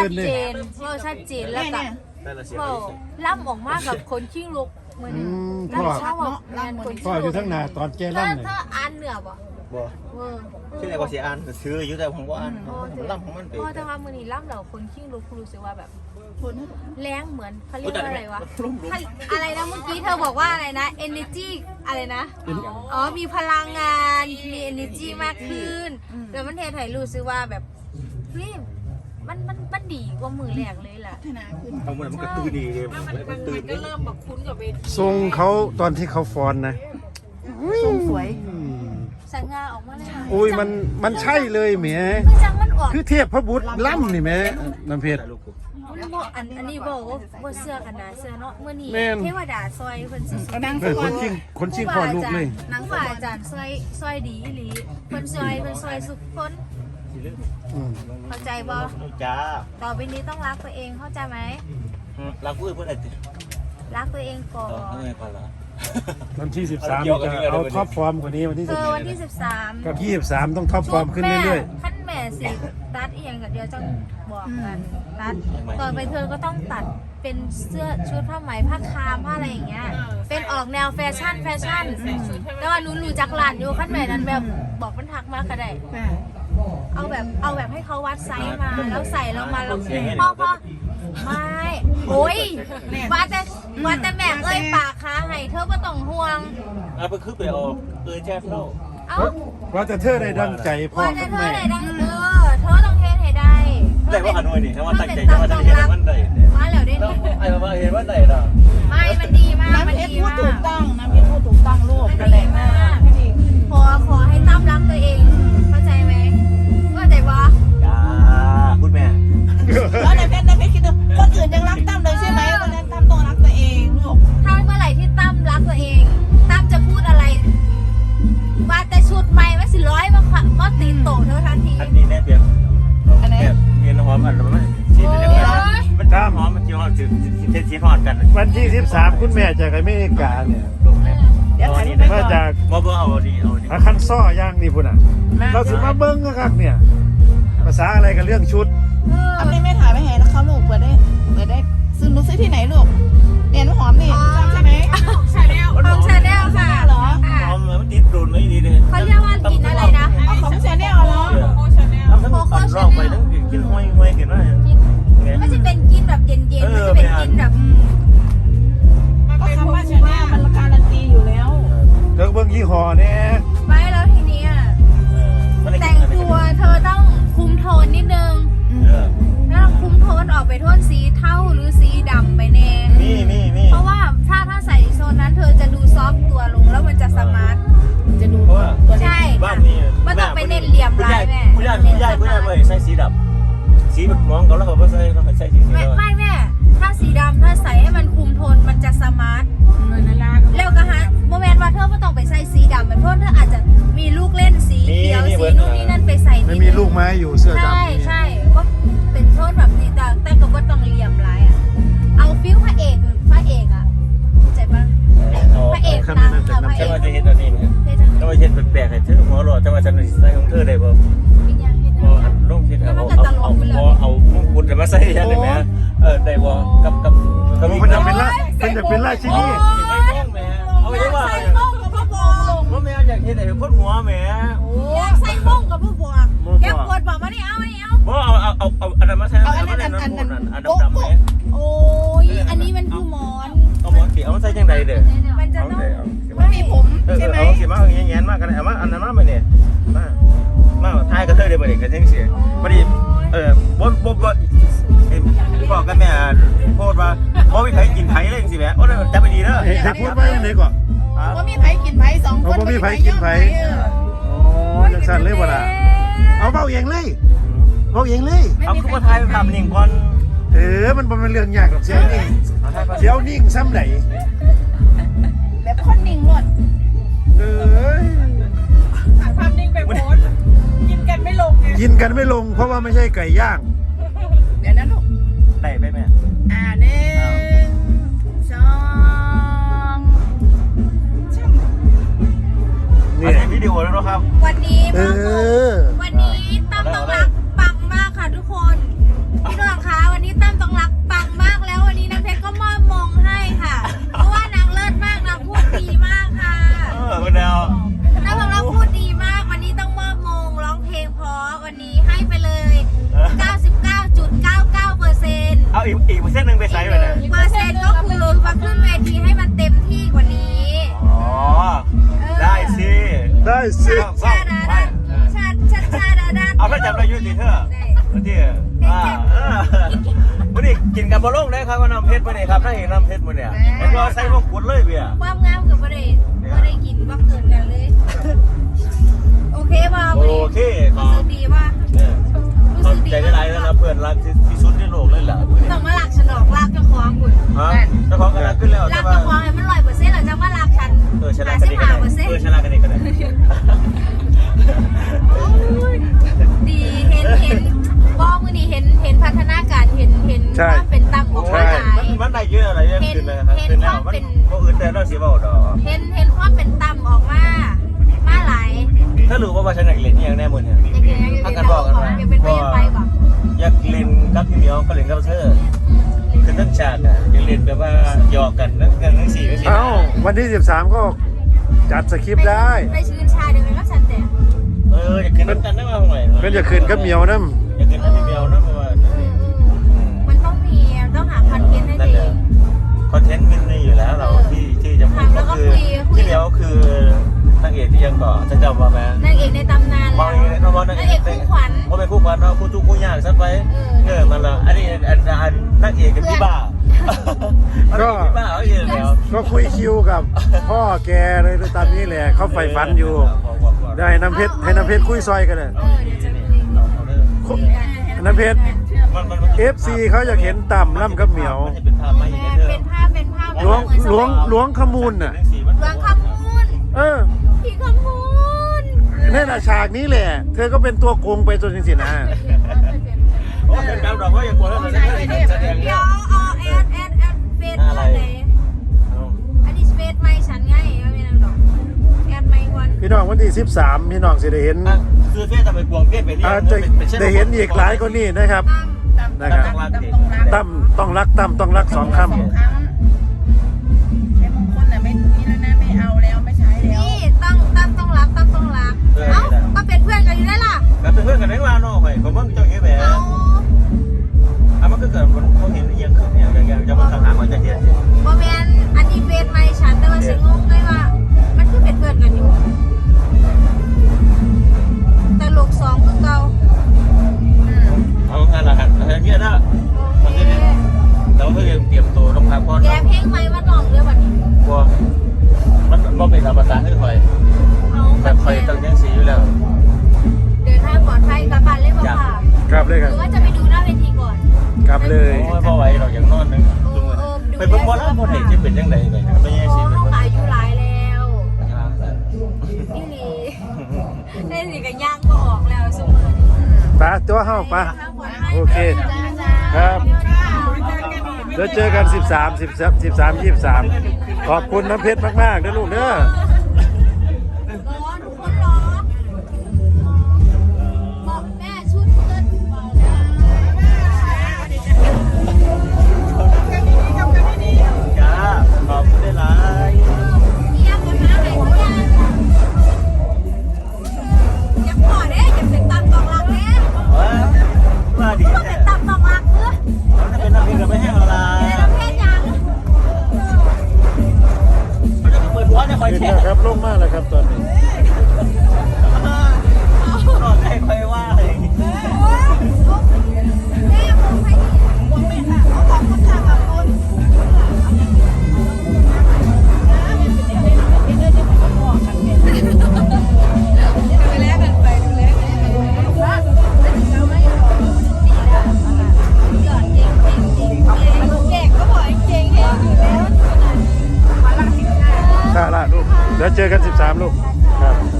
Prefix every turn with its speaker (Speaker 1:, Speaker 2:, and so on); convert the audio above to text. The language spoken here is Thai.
Speaker 1: นเลย
Speaker 2: ว่าชัดเจนแล้วก็ว่าล่ำออกมากับคนขี้ลุกเหมือนล่ำชอบล่ำคนขี้ลุก
Speaker 1: พ่ออยู่ทั้งหน้าตอนแกล่ำเนี่ย
Speaker 2: ถ้าอ่านเหนือบ่
Speaker 3: บ่ชื่ออะไรก็เสียอ่านซื้ออยู่แต่ผมก็อ่านล่ำของมันไป
Speaker 2: เพราะถ้าว่ามือนี้ล่ำเหล่าคนขี้ลุกรู้สึกว่าแบบแรงเหมือนเขาเรียกว่าอะไรวะอะไรนะเมื่อกี้เธอบอกว่าอะไรนะ energy อะไรนะอ๋อมีพลังงานมี energy มากขึ้นแล้วมันเทไทยรู้สึกว่าแบบเฮ้ยมันดีกว่ามือแรกเลยล่ะ
Speaker 3: เอามันก็ตื่นดีเลยมันตื่น
Speaker 4: ก็เริ่มแบบคุ้นกับเวที
Speaker 1: ทรงเขาตอนที่เขาฟ้อนนะทรงสวย
Speaker 2: สังงาออกมาเลย
Speaker 1: อุ้ยมันใช่เลยแหม
Speaker 2: มันจังมันออก
Speaker 1: คือเทพพระบุตรล่ำนี่แหมน้ำเพชร
Speaker 2: อันนี้บอกว่าเสื้อกันนะเสื้อเนาะเมื่อนี้
Speaker 1: แม่น
Speaker 2: เทวดาซอยคนสิ
Speaker 1: เฮ้ยคนชิงพ่อลูกเลย
Speaker 2: นังฝ่าอาจารย์ซอยดีอีหลีคนซอยสุขคน
Speaker 1: อืม
Speaker 2: เข้าใจบ่
Speaker 3: จ้า
Speaker 2: ต่อไปนี้ต้องรักตัวเองเข้าใจไหม
Speaker 3: รักผู้อื่นเพื่อนอะไร
Speaker 2: รักตัวเองก่อน
Speaker 3: ไม่ก่อนละ
Speaker 1: วันที่13จะเอาท็อปฟอร์มกว่านี้วันที่
Speaker 2: วันที่13
Speaker 1: กับ23ต้องท็อปฟอร์มขึ้นเรื่อย
Speaker 2: ขั้นแม่สิตัดเองกับเดียวจังบอกกันตัดต่อไปเธอก็ต้องตัดเป็นเสื้อชุดผ้าไหมผ้าคามผ้าอะไรอย่างเงี้ยเป็นออกแนวแฟชั่นแล้วว่ารู้จักหลานอยู่ขั้นแม่นั้นแบบบอกมันทักมากก็ได้เอาแบบให้เขาวัดไซส์มาแล้วใส่แล้วมาแล้วพ่อไม่โอ้ยว่าแต่แม่เอ้ยปากขาให้เธอไม่ต้องห่วง
Speaker 3: เอาไปคือไปเอาแจ้งเรา
Speaker 2: เอ้า
Speaker 1: ๆว่าจะเธอได้ดังใจพ่อ
Speaker 2: ว่า
Speaker 1: กั
Speaker 2: แต่
Speaker 1: บ
Speaker 2: เธอ
Speaker 1: แม่
Speaker 2: ไหนได้เธอต้องเทสให้ได้
Speaker 3: ได้ว่าหันไว้นี่ถ้าว่าตั้งใจจะว่าจะเห็นมันได้
Speaker 2: มาแล้วได้
Speaker 3: ไอ้ว่าเห็นว่าได้ละ
Speaker 2: ไม่มันดีมาก
Speaker 4: น้ำ
Speaker 2: มัน
Speaker 4: เพชร
Speaker 2: ดี
Speaker 4: พูด
Speaker 2: มาก
Speaker 4: ถูกต้องน้ำเพชรพูดถูกต้องลูก
Speaker 2: มัน
Speaker 4: กันแห
Speaker 2: ดี
Speaker 4: ละ
Speaker 2: มากขอให้ตั้มรักตัวเองเข้าใจไหมเข้าใจปะ
Speaker 3: จ้าคุณแม่
Speaker 4: แล้วน้ำเพชรคิดดูคนอื่นยังรักตั้มเลยใช่ไหมคนนั้นตั้มต้องรักตัวเองลูก
Speaker 2: ถ้าเมื่อไหร่ที่ตั้มรักตัวเองตั้มจะพูดอะไรว่าแต่ชุดใหม่ไม่สิร้อยมาตีโตเธอทันที
Speaker 3: อันนี้แน่เปลี่ยนเมียนหอมอันนั้นมันชิ้นเล็กมันจ้าหอมมันเกี่ยวกับชิ้นหอดกัน
Speaker 1: วันที่13คุณแม่จากอเมริกาเนี่ย
Speaker 3: ลงแม่
Speaker 4: เดี๋ยวถ่ายรูป
Speaker 1: มาจาก
Speaker 3: บ่เอาดีเอาดี
Speaker 1: อาคันซ่อย่างนี่พุ่นอ่ะเราสิมาเบิ้งครับเนี่ย ภาษาอะไรกับเรื่องชุด
Speaker 4: ทำได้ไม่ถ่ายไม่เห็นแล้วเขาลูกเปิดได้ซื้อรู้ซื้อที่ไหนลูกเรียนหอมนี่ใช่ไหม
Speaker 2: ของชาแนลค่ะ
Speaker 4: เหรอ
Speaker 3: หอมมันติดรุนไม่ดีเลย
Speaker 2: เขาเรียกว่ากินอะไรนะ
Speaker 4: เอาของชาแนลเหรอ
Speaker 3: ทำทั้งปั่นร่องไปทั้งกินห้อยเห็นไหม
Speaker 2: ไม่ใช่เป็นกินแบบเย็นๆไม่ใช่เป็นกินแบบ
Speaker 4: ก็คำว่าชาแนลมันการันตีอยู่แล้ว
Speaker 1: เลิกเบิ้งยี่ห้อเนี่ย
Speaker 2: ไม่แล้วทีนี้แต่งตัวเธอต้องคุมโทนนิดนึงแล้วคุมโทนออกไปโทนสีเทาหรือสีดำไปแน่
Speaker 3: มี
Speaker 2: เพราะว่าถ้าใส่โซนนั้นเธอจะดูซอฟตัวลงแล้วมันจะสมาร์ท
Speaker 4: จะดู
Speaker 3: เพราะว่า
Speaker 2: ใช่
Speaker 3: บ้านนี้
Speaker 2: ไม่ต้องไปเน้นเหลี่ยมลายแม่
Speaker 3: ผู้ใหญ่เลยใส่สีดำสีแบบมองเขาแล้วเขาก็ใส่สี
Speaker 2: ไม่แม่ถ้าสีดำถ้าใส่ให้มันคุมโทนมันจะสมาร์ทแล้วก็ฮะโมเมนต์ว่าเธอไม่ต้องไปใส่สีดำเป็นเพราะเธออาจจะมีลูกเล่นสีเขียวสีนู่นนี่นั่นไปใส่
Speaker 1: ไม่มีลูกไม้อยู่เสื้อดำ
Speaker 2: ใช่ก็เป็นโทนแบบนี้แต่ก็ว่าต้องเหลี่ยมลายอ่ะเอาฟิลพระเอกอ่ะใจปะพระเอกนางค่ะพระเอ
Speaker 3: จะ
Speaker 2: ก
Speaker 3: มาจะเห็นตัวนี้จะมาเห็นแปลกๆให้เธอหัวหล่อจะมาจะใส่ของเธอได้บ่ลงคิดเอามงกุฎจะมาใส่ยังไงแม่ได้บ่กับเขามี
Speaker 1: มันจะเป็นราชินี
Speaker 3: เอาไว้ว่า
Speaker 2: ใส่โม่งกับพ่อบวก
Speaker 3: ว่าแม่อยากเห็นไอ้คนหัวแม่
Speaker 2: อยากใส่โม่งกับพ่อบวกแกปวดบอกมาดิเอา
Speaker 3: ว่าเอาอันนั้นมาใช้อันนั้นอันดำๆไหม
Speaker 2: โอ้ยอันนี้มันคือหมอน
Speaker 3: เอาหมอนสีเอามาใส่ยังไงเด้อ
Speaker 2: มันจะต้อง
Speaker 4: ไม่มีผมใช่ไหม
Speaker 3: เอาสีมาอย่างเงี้ยมากกันเอามาอันนั้นมาเนี่ยมาทายกระเทยเดี๋ยวมาเด็กกันยังเสียพอดีบ่บอกกันแม่โพดว่าบ่มีใครกินไผ่เลยสิแม่โอ้ยจับไปดีเด้อ
Speaker 1: เฮ้ยพูดไว้ไหนก่อน
Speaker 4: ว่ามีไผ่กินไผ่สองคน
Speaker 1: มีไผ่กินไผ่โอ้ยจังสั่นเลยบ่ล่ะเอาเบาเองเลยเบาเองเลย
Speaker 3: เอาขึ้นมาทายภาพนิ่งก่อน
Speaker 1: มันเป็นเรื่องยากหรอกเสียวนิ่งซ้ำไหน
Speaker 4: แบบคนนิ่งหมด
Speaker 5: ถ่ายภาพนิ่งไปโพสกินกันไม่ลงไง
Speaker 1: กินกันไม่ลงเพราะว่าไม่ใช่ไก่ย่าง
Speaker 4: เดี๋ยวนะลูก
Speaker 3: ได้ไหมแม่
Speaker 4: 1 2
Speaker 1: นี่
Speaker 3: อันนี้วิดีโอแล้วนะครับ
Speaker 2: วันนี้ตั้มต้องรักปังมากค่ะทุกคนพี่น้องคะวันนี้ตั้มต้องรักปังมากแล้ววันนี้น้ำเพชรก็มอบมงให้ค่ะ เพราะว่านางเลิศมากนางพูดดีมากค่ะ
Speaker 3: คุณดาวน
Speaker 2: างบอกว่าพูดดีมากวันนี้ต้องมอบมงร้องเพลงเพราะวันนี้ให้ไปเลย 99.99%
Speaker 3: เอาอีกเปอร์เซ็นต์หนึ่งไปใส่ไปเลย
Speaker 2: เปอร์เซ็นต์ก็คือมาขึ้นเวทีให้มันเต็มที่กว่านี้
Speaker 3: อ๋อได้สิ
Speaker 1: ได้สิ
Speaker 2: ชาดาดันชาดาดัน
Speaker 3: เอาพระจับเราอยู่ที่เธอที่วันนี้กินกับบอลงได้ครับว่าน้ำเพชรวันนี้ครับนั่งเห็นน้ำเพชรวันนี้เห็นว่าใส่พวกกุดเลยเบียร์
Speaker 2: ความงามกับประเดี๋ยวได้กินว่าเกินกันเลย โอเคป่ะ
Speaker 3: โอเค
Speaker 2: รู้สึกดีป่ะ
Speaker 3: ขอบใจได้ไรแล้วนะเพื่อนรักที่สุดในโลกเลยล่ะ
Speaker 2: ต้องมาหลักฉันดอกลากเจ้าของคุณ
Speaker 3: ฮะเจ้าของกำลังขึ้นแล้ว
Speaker 2: ลากเจ้าของให้มัน100%หรือจะมาหลักฉัน
Speaker 3: ฉลาดกันเองกันเลยฉลาดกันเองกันเลย
Speaker 2: ดีเห็นบอกมือนี่เห็นพัฒนาการเห็นว่าเป็นตั้งของคนหลาย
Speaker 3: มันได้เยอะอะไรเยอะขึ้นเลยครับขึ้นแล้วมันก็อื่นแต่เราเสียบ่ดอก
Speaker 2: เห็นความเป็นตั้มออกมาหลาย
Speaker 3: ถ้ารู้ว่าฉันอยากเล่นยังแน่มือเนี่ยถ้ากันบอกกันว่า
Speaker 2: อยากเป็นไปบอก
Speaker 3: อยากเล่นกับพี่เหมียวก็เล่นกับเธอคือตั้งฉากอ่ะอยากเล่นแบบว่าหยอกกันนั่งกันนั่งสี่นั่งสี่
Speaker 1: เอ้าวันที่13ก็จัดสคริปต์ได้
Speaker 2: ไปชื่นชาเดียวกันก็ฉันแต่
Speaker 3: อยากขึ้นน้ำกันได้มาเมื่อไหร่
Speaker 1: เพิ่นจะขึ้นกับเหมียวน้
Speaker 3: อยากขึ้นกับพี่เหมียวนะเพราะว่า
Speaker 2: มันต้องมีต้องหาคอนเทนต์ให้
Speaker 3: นั่น
Speaker 2: ดี
Speaker 3: แหละคอนเทนต์มีอยู่แล้วเราที่จะพูดก็คือพี่เหมียวคือนางเอกที่ยังก่อจะจำว่าไหม
Speaker 2: นางเอกในตำนาน
Speaker 3: มองอย่างนี้มองนางเอกคู่ขวัญเขาเป็นคู่ขวัญเนาะคู่ทุกคู่ยากซะไปมันละอันนี้นางเอกกับพี่บ้าพี่บ้าเขาเองแล้ว
Speaker 1: ำก็คุยคิวกับพ่อแกเลยตามนี้แหละเขาใฝ่ฝันอยู่ ได้น้ำเพชรให้น้ำเพชรคุยซอยกันเลย
Speaker 2: เดี๋ยวจะคุยกัน
Speaker 1: น้ำเพชร FC เขาอยากเห็นต่ำล่ำกับเหมียว
Speaker 3: เป็นภาพไม่เห็นเธอ
Speaker 2: เป็นภาพ
Speaker 1: หลวงขมูลน่ะ
Speaker 2: หลวงคำมูล พี่คำมูล
Speaker 1: นี่นน่ะฉากนี้แหละ เธอก็เป็นตัวโกงไปจนจริงๆนะ
Speaker 3: โอ้เป็นการดอกว่าอย่างกลัวแล้วแสดง
Speaker 2: เดี๋ยวเอาแอดเฟซอะไรอันนี้เฟซไม่ฉันไงไม่เป็นดอกแอดไม่วัน
Speaker 1: พี่น้องวันที่13พี่น้องสิได้เห็น
Speaker 3: คือเฟี้ยทำไปกวงเฟี้ยไปเรีย
Speaker 1: อาจจะได้เห็นอีกหลายคนนี่นะครับ นะครับตั้มต้องรักตั้มต้องรัก2 คำ
Speaker 4: 2 ครั้งใช้มงคลแต่ไม่นี่แล้วนะไม่เอาแล้วไม่ใช้แล้ว
Speaker 2: นี่ต้องรักเอ้าก็เป็นเพื่อนกันอยู่ได้ล่ะ
Speaker 3: แล้วเป็นเพื่อนกันได้ว่าน้องไปผมว่าเจ้าเหี้ยแบบมันก็เกิดมันเขาเห็นยังขึ้นอย่างจะมาทำหามันจะเห็น
Speaker 2: โมเมนอันนี้เฟซไม่ฉันแต่ว่าฉันงงเลยว่ามันคือเป็นเพื่อนกันอยู่แต่ลูก2คือเก่า
Speaker 3: เอางานละหันอะไรเงี้ยนะ
Speaker 2: โอเค
Speaker 3: แต่ว่าเพื่อนเตรียมตัวต้องพักผ่อน
Speaker 2: แกเพลงไหมมาลองเรื่องแบบนี้
Speaker 3: กลัวมันเป็นธรรมชาติที่คอย
Speaker 2: เอา
Speaker 3: แบบคอยตั้งยังสีอยู่แล้ว
Speaker 2: เดินทางปลอดภัยกลับบ้านเลยบ่ค่ะ
Speaker 1: กลับเลย
Speaker 2: ห
Speaker 1: ครับ
Speaker 2: รือว่าจะไปดูหน้าเวทีก่อน
Speaker 1: กลับเลย
Speaker 3: โอ้ยพอไหวเราอย่างนอนนึงไปเบิ่งบอลแล้วบอลเห็นจะเป็นยังไงไปไม่ใช่สิเป็น
Speaker 2: อายุหลายแล้วพี่ลีได้สิกันย่างก็ออกแล้วสมมติ
Speaker 1: ปะตัวเฮ้าปะโอเค ครับเดี๋ยวเจอกัน13 23 ขอบคุณน้ำเพชรมากๆนะลูกเด้อ
Speaker 2: ร้อนทุกคนร้อนบอกแม่ชุดเกินบอกนะ
Speaker 3: จ้าขอบคุณได้หลาย
Speaker 2: เยี่ยมกันนะไหนเขายังอย่าขอเด้อย่าเป็นตับตองรักเด้
Speaker 3: ว่าดี
Speaker 2: ก็เป็นตับตองรักเด้อ
Speaker 3: ถ้าเป็นน้ำพริกเราไม่ให้อะไร
Speaker 2: ในประเภทยัง
Speaker 3: มันจะเปิดหัวจะคอย
Speaker 1: ขึ้น
Speaker 3: แช่
Speaker 1: แล้วครับลงมากแล้วครับตอนนี้
Speaker 3: นอนให้คอยว่าเลย
Speaker 2: แม่ผมให้ดี
Speaker 4: ขอบคุณค่ะขอบคุณ
Speaker 2: หยอดเก่งเก่งก็บอกเก่งเฮงอยู่แล้ว
Speaker 1: ค่ะละลูก เดี๋ยวเจอกัน13 ลูก ครับ